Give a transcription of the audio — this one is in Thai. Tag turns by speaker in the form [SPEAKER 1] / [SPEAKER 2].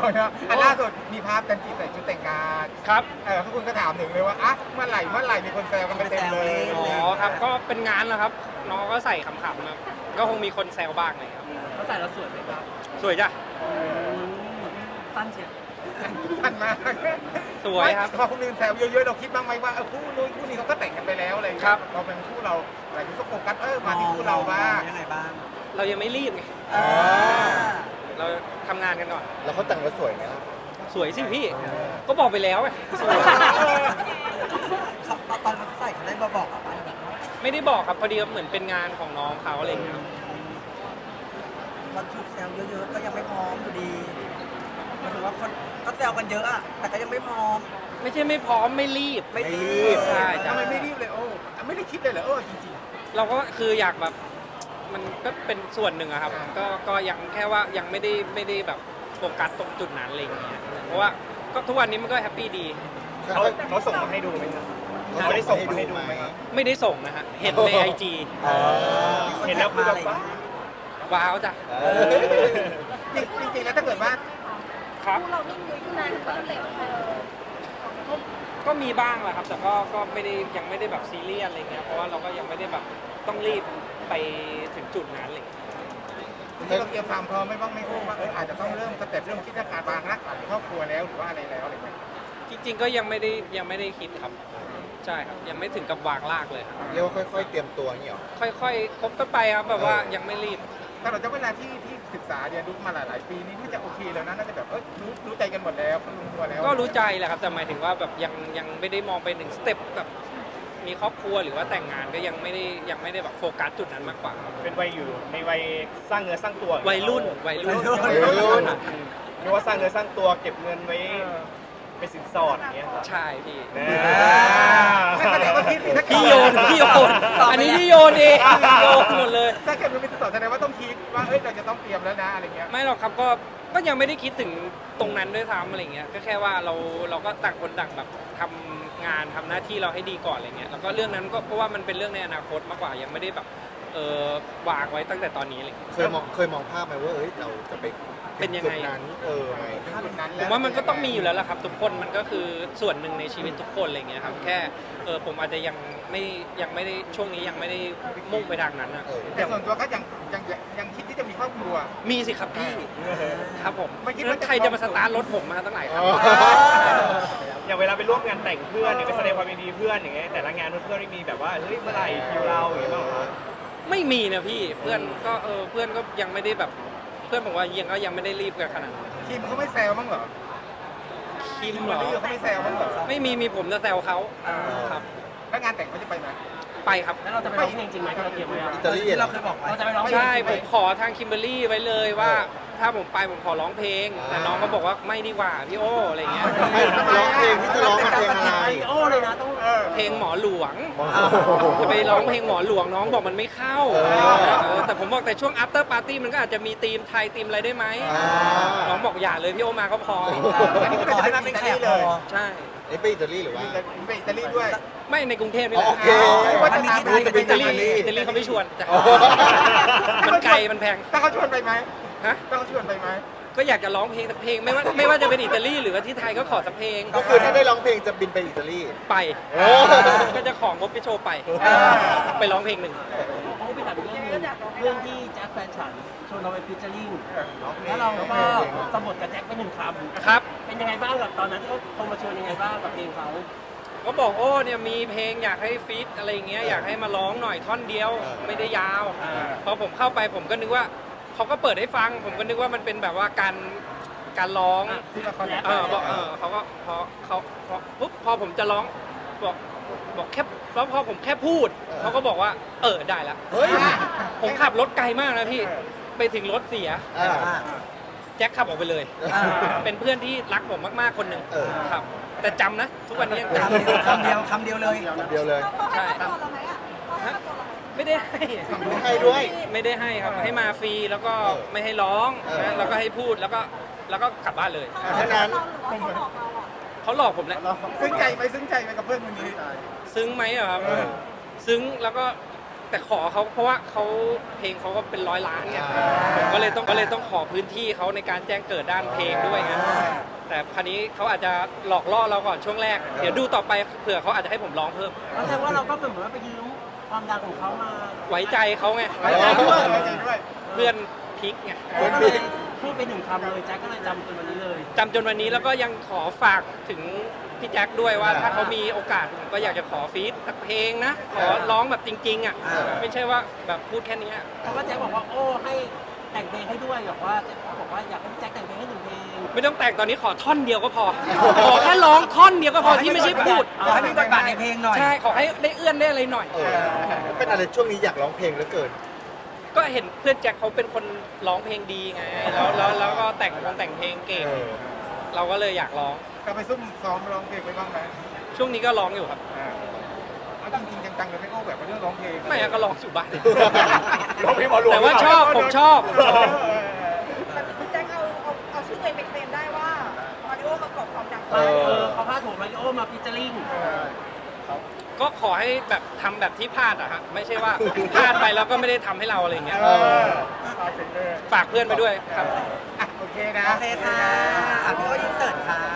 [SPEAKER 1] นะอันล่าสุดมีภาพกันจีใส่ชุดแต่งงาน
[SPEAKER 2] ครับ
[SPEAKER 1] ทุกคนก็ถามถึงเลยว่าอ่ะเมื่อไหร่มีคนแซวกันไปเต็มเลย
[SPEAKER 2] อ๋อครับก็เป็นงานแล้วครับน้องก็ใส่ขำๆครับก็คงมีคนแซวบ้างเลยครับ
[SPEAKER 3] เขาใส่แล้วสวยไหมครับ
[SPEAKER 2] สวยจ้ะ
[SPEAKER 3] ตั้นเชียว
[SPEAKER 1] ทันมาก
[SPEAKER 2] สวยครับ
[SPEAKER 1] พอคนอื่นแซวเยอะๆเราคิดบ้างไหมว่าคู่นู้นคู่นี้เขาก็แต่งกันไปแล้วอะไรอย่างเงี้ย
[SPEAKER 2] ครับ
[SPEAKER 1] เราเป็นคู่เราหลายคนก็โฟกัสมาที่คู่เราบ้าง
[SPEAKER 3] ยังไงบ้าง
[SPEAKER 2] เรายังไม่รีบไงเราทำงานกันก่อน
[SPEAKER 4] แล้วเขาแต่งแล้วสวยไหมล่ะ
[SPEAKER 2] สวยสิพี่ก็บอกไปแล้วไงสวย
[SPEAKER 3] ตอนเขาใส่เขาได้มาบอกอ่ะบ้านแบบว่า
[SPEAKER 2] ไม่ได้บอกครับพอดีเหมือนเป็นงานของน้องเขาอะไรอย่างเงี้ยครับ
[SPEAKER 3] มันถูกแซวเยอะๆก็ยังไม่พร้อมอยู่ดีหมายถึงว่าคนก็แซวกันเยอะอ่ะแต่ก็ยังไม่พร้อม
[SPEAKER 2] ไม่ใช่ไม่พร้อมไม่รีบ
[SPEAKER 3] ไม่รีบ
[SPEAKER 2] ใช่จ้ะ
[SPEAKER 1] ทำไมไม่รีบเลยโอ้ไม่ได้คิดเลยเหรอจริง
[SPEAKER 2] เราก็คืออยากแบบมันก็เป็นส่วนหนึ่งอะครับก็ยังแค่ว่ายังไม่ได้แบบโฟกัสตรงจุดนั้นอะไรอย่างเงี้ยเพราะว่าก็ทุกวันนี้มันก็แฮปปี้ดี
[SPEAKER 1] เขาส่งมาให้ดูไหมครับเขาได้ส่งมาให้ดูไหม
[SPEAKER 2] ไม่ได้ส่งนะฮะเห็นในไอจี
[SPEAKER 1] เห็นแล้วคือแบบว่า
[SPEAKER 2] ว้าวจ้ะ
[SPEAKER 1] จริงๆแล้วถ้าเกิดว่า
[SPEAKER 2] ครับ
[SPEAKER 5] เรานิ่งลุยขึ้นนานขึ้นเลย
[SPEAKER 2] ก็มีบ้างแหละครับแต่ก็ไม่ได้ยังไม่ได้แบบซีเรียสอะไรเงี้ยเพราะว่าเราก็ยังไม่ได้แบบต้องรีบไปถึงจุดนั้นเลย
[SPEAKER 1] ที่เราเตรียมความพร้อมไม่บ้างไม่คู่ว่าอาจจะต้องเริ่มสเต็ปเรื่องคิดการวางรากฐานครอบครัวแล้วหรือว่าอะไรแล้วอะไรเงี้ย
[SPEAKER 2] จริงๆก็ยังไม่ได้คิดครับใช่ครับยังไม่ถึงกับวางรากเลยครับ
[SPEAKER 4] เรียกว่าค่อยๆเตรียมตัวนี่หรอ
[SPEAKER 2] ค่อยๆคบกันไปครับแบบว่ายังไม่รีบ
[SPEAKER 1] ถ้าเราจะเวลาที่ศึกษาเรียนรู้มาหลายๆปีนี้น่าจะโอเคแล้วนะน่าจะแบบรู้ใจกันหมดแล้วรู้ตัวแล้ว
[SPEAKER 2] ก็รู้ใจแหละครับแต่หมายถึงว่าแบบยังไม่ได้มองไปถึงสเต็ปแบบมีครอบครัวหรือว่าแต่งงานก็ยังไม่ได้แบบโฟกัสจุดนั้นมากกว่า
[SPEAKER 6] เป็นวัยอยู่ในวัยสร้างเนื้อสร้างตัว
[SPEAKER 2] วัยรุ่น
[SPEAKER 6] หรือว่าสร้างเนื้อสร้างตัวเก็บเงินไว้เป็นสินสอดอย่างเงี้ยครับ
[SPEAKER 2] ใช่พี่
[SPEAKER 1] แสดงว่า
[SPEAKER 2] พี่โยนอันนี้พี่โยนเองโยนหมดเลย
[SPEAKER 1] ถ้าเกิดมันเป็นสอนแสดงว่าต้องคิดว่าเราจะต้องเตรียมแล้วนะอะไรเงี้ย
[SPEAKER 2] ไม่หรอกครับก็ยังไม่ได้คิดถึงตรงนั้นด้วยซ้ำอะไรเงี้ยก็แค่ว่าเราก็ต่างคนต่างแบบทำงานทำหน้าที่เราให้ดีก่อนอะไรเงี้ยแล้วก็เรื่องนั้นก็เพราะว่ามันเป็นเรื่องในอนาคตมากกว่ายังไม่ได้แบบวางไว้ตั้งแต่ตอนนี้เลย
[SPEAKER 4] เคยมองภาพไหมว่าเราจะไป
[SPEAKER 2] เป็นยังไง
[SPEAKER 4] จุดนั้นไหม
[SPEAKER 2] ผมว่ามันก็ต้องมีอยู่แล้วล่ะครับทุกคนมันก็คือส่วนหนึ่งในชีวิตทุกคนอะไรเงี้ยครับแค่ผมอาจจะยังไม่ได้ช่วงนี้ยังไม่ได้มุ่งไปทางนั้นนะ
[SPEAKER 1] แต่ส่วนตัวก็ยังคิดที่จะมีครอบครัว
[SPEAKER 2] มีสิครับพี่ครับผม
[SPEAKER 1] ไม่คิด
[SPEAKER 2] นั้
[SPEAKER 1] ว่าน จะ
[SPEAKER 2] ใครจะมาสตาร์ทรถผมมาตั้งหลายครั้ง
[SPEAKER 6] อย่างเวลาไปร่วมงานแต่งเพื่อนเนี่ยไปแสดงความยินดีเพื่อนอย่างเงี้ยแต่ละงานเพื่อนไม่มีแบบว่าเฮ้ยเมื่อไหร่คิวเราอย่างเงี้ยบ้างเหรอ
[SPEAKER 2] ไม่มีนะพี่เพื่อนก็ยังไม่ได้แบบเพื่อนผมว่ายังไม่ได้รีบกันขนาดนั้น
[SPEAKER 1] คิมเขาไม่แซวบ้างเหรอ
[SPEAKER 2] คิมเหรอ
[SPEAKER 1] เขาไม่แซวบ้างเหรอ
[SPEAKER 2] ไม่มีผมจะแซวเขาครับ
[SPEAKER 1] แล้วงานแต่งเขาจะไปไหม
[SPEAKER 2] ไปครับ
[SPEAKER 3] แล้วเราจะไปร้องเพลงจริงไหมที่เราเตรียมไว้อะ
[SPEAKER 4] อิตาลี
[SPEAKER 3] ที่เราเคยบอกไว้เราจะไปร้องเพลง
[SPEAKER 2] ใช่ผมขอทางคิมเบอรรี่ไว้เลยว่า ถ้าผมไปผมขอร้องเพลง แต่น้องก็บอกว่าไม่ดีกว่าพี่โออะไรเงี้ย
[SPEAKER 4] ไม่ร้องเพลงที่จะร้องเพลงอะไร
[SPEAKER 3] โอ้เลยนะต้อง
[SPEAKER 2] เพลงหมอหลวง
[SPEAKER 4] โอ้โห
[SPEAKER 2] จะไปร้องเพลงหมอหลวงน้องบอกมันไม่เข้าแต่ผมบอกแต่ช่วง after party มันก็อาจจะมีธีมไทยธีมอะไรได้ไหมน้องบอกอย่าเลยพี่โอมาก็พอ
[SPEAKER 1] อันนี้ก็
[SPEAKER 3] ขอให้
[SPEAKER 1] จะ
[SPEAKER 3] มัน
[SPEAKER 1] เป็
[SPEAKER 3] เป็น น
[SPEAKER 1] อิ
[SPEAKER 3] แข
[SPEAKER 1] ตาก ลีเลย
[SPEAKER 3] พอ
[SPEAKER 2] ใช่
[SPEAKER 4] ไปอิตาลีหรือว่า
[SPEAKER 1] ไปอิตาลีด้วย
[SPEAKER 2] ไม่ในกรุงเทพนี่แหละ
[SPEAKER 4] โอเค
[SPEAKER 1] ว่าจะตาม
[SPEAKER 4] จะไป
[SPEAKER 2] อิตาลีเขาไม่ชวนจ้ะ
[SPEAKER 4] โอ้โห
[SPEAKER 2] มันไกลมันแพง
[SPEAKER 1] ถ้าเขาชวนไปไหม
[SPEAKER 2] ฮะ
[SPEAKER 1] ถ้าเขาชวนไปไหม
[SPEAKER 2] ก็อยากจะร้องเพลงสักเพลงไม่ว่าจะเป็นอิตาลีหรือว่าที่ไทยก็ขอสักเพลง
[SPEAKER 4] ก็คือถ้าได้ร้องเพลงจะบินไปอิตาลี
[SPEAKER 2] ไป
[SPEAKER 4] โอ้
[SPEAKER 2] ก็จะของงบไปโชว์ไป ไปร้องเพลงหนึ่ง
[SPEAKER 3] โอ้ไปถามอีกเรื่องหนึงเรื่องที่แจ็คแฟนฉันชวนเราไปฟิชเจอริ่งแล้วเราก็สะบัดกับแจ็คไปหนึ่งคำ
[SPEAKER 2] ครับ
[SPEAKER 3] เป็นยังไงบ้างกับตอนนั้นที่เขาโทรมาชวนยังไงบ้างกับเพลงเขา
[SPEAKER 2] ก็บอกโอ้เนี่ยมีเพลงอยากให้ฟีดอะไรอย่างเงี้ยอยากให้มาร้องหน่อยท่อนเดียวไม่ได้ยาวพอผมเข้าไปผมก็นึกว่าเขาก็เปิดให้ฟัง ผมก็นึกว่ามันเป็นแบบว่าการร้อง
[SPEAKER 1] ที่ละคร
[SPEAKER 2] บอกเขาก็ปุ๊บพอผมจะร้องบอกแค่แล้วพอผมแค่พูดเขาก็บอกว่าได้แล้ว
[SPEAKER 4] เฮ้ย
[SPEAKER 2] ผมขับรถไกลมากนะพี่ไปถึงรถเสีย
[SPEAKER 4] อ่า
[SPEAKER 2] แจ็คขับออกไปเลย เป็นเพื่อนที่รักผมมากๆคนหนึ่ง
[SPEAKER 4] เออ
[SPEAKER 2] ครับ แต่จำนะ ทุกวันนี้ยังจ
[SPEAKER 3] คำเดียวเลย
[SPEAKER 4] เดียวเลย
[SPEAKER 5] เขาให้ตัวเราไหมอ่ะเขาให้ตัวเราไหม
[SPEAKER 2] ำไม่ได้ให้
[SPEAKER 4] ไม่ให้ด้วย
[SPEAKER 2] ไม่ได้ให้ครับให้มาฟรีแล้วก็ไม่ให้ร้อง
[SPEAKER 4] เออ
[SPEAKER 2] นะแล้วก็ให้พูดแล้วก็กลับบ้านเลย
[SPEAKER 4] แค่นั้น
[SPEAKER 5] เราหรือว่าเขาหลอกเราอ่ะ
[SPEAKER 2] เขาหลอกผมแหละ
[SPEAKER 1] ซึ้งใจไหมซึ้งใจไหมกับเพื่อนคนนี้
[SPEAKER 2] ซึ้งไหมอะครับซึ้งแล้วก็แต่ขอเขาเพราะว่าเขาเพลงเขาก็เป็น100 ล้านไงผมก็เลยต้องขอพื้นที่เขาในการแจ้งเกิดด้านเพลงด้วยไงแต่คราวนี้เขาอาจจะหลอกล่อเราก่อนช่วงแรกเดี๋ยวดูต่อไปเผื่อเขาอาจจะให้ผมร้องเพิ่ม
[SPEAKER 3] แสดงว่าเราก็เหมือนว่าไปยืมความดังของเขามา
[SPEAKER 2] ไว้ใจเขาไง
[SPEAKER 1] ไว้ใจด้วยไว้ใจด้วย
[SPEAKER 2] เพื่อนพิกไง
[SPEAKER 3] ก็เลยพูดไปหนึ่งคำเลยแจ็คก็เลยจำจนวันนี้เลย
[SPEAKER 2] จำจนวันนี้แล้วก็ยังขอฝากถึงพี่แจ็คด้วยว่าถ้าเขามีโอกาสผมก็อยากจะขอฟีดสักเพลงนะ ขอร้องแบบจริงๆอ่ะไม่ใช่ว่าแบบพูดแค่นี้
[SPEAKER 3] เพราะว่าแจ็คบอกว่าโอ้ให้แต่งเพลงให้ด้วยบอกว่าอยากให้แจ็คแต่งเพลงให้หนึ่งเพลง
[SPEAKER 2] ไม่ต้องแต่งตอนนี้ขอท่อนเดียวก็พอ ขอแค่ร้องท่อนเดียวก็พอที่ไม่ใช่พูด
[SPEAKER 3] ขอให้มีบทบาทในเพลงหน่อย
[SPEAKER 2] ใช่ขอให้ได้เอื้อนได้อะไรหน่อย
[SPEAKER 4] เป็นอะไรช่วงนี้อยากร้องเพลงเหลือเกิน
[SPEAKER 2] ก็เห็นเพื่อนแจ็คเขาเป็นคนร้องเพลงดีไงแล้วก็แต่งเพลงเก่ง เราก็เลยอยากร้อง
[SPEAKER 1] ก็ไปซุ่มซ้อมร้องเพลงไปบ้างไหม
[SPEAKER 2] ช่วงนี้ก็ร้องอยู่ครับ
[SPEAKER 1] เอาจริงๆจังๆเลยไม่โอ้แบบเรื่องร้องเพลง
[SPEAKER 2] ไม่อะก็ร้องอยู่บ้าน
[SPEAKER 6] ร้องเพลงหมอหลวง
[SPEAKER 2] แต่ว่าชอบผมชอบ
[SPEAKER 5] แต่พี่แจ็คเอาชื่อตัวเองไปเคลมได้ว่ามาริโอประกอบความดัง
[SPEAKER 3] เขาพาดหัวมาริโอมาฟิชเจอริ่ง
[SPEAKER 2] ก็ขอให้แบบทำแบบที่พลาดอะฮะไม่ใช่ว่าพลาดไปแล้วก็ไม่ได้ทำให้เราอะไรอย่างเงี้ย
[SPEAKER 1] เอาเสร็จเลย
[SPEAKER 2] ฝากเพื่อนไปด้วยครับ
[SPEAKER 1] อ่ะโอเคนะ
[SPEAKER 3] โอเคค่ะพี่โอ้อินเสิร์ตค่ะ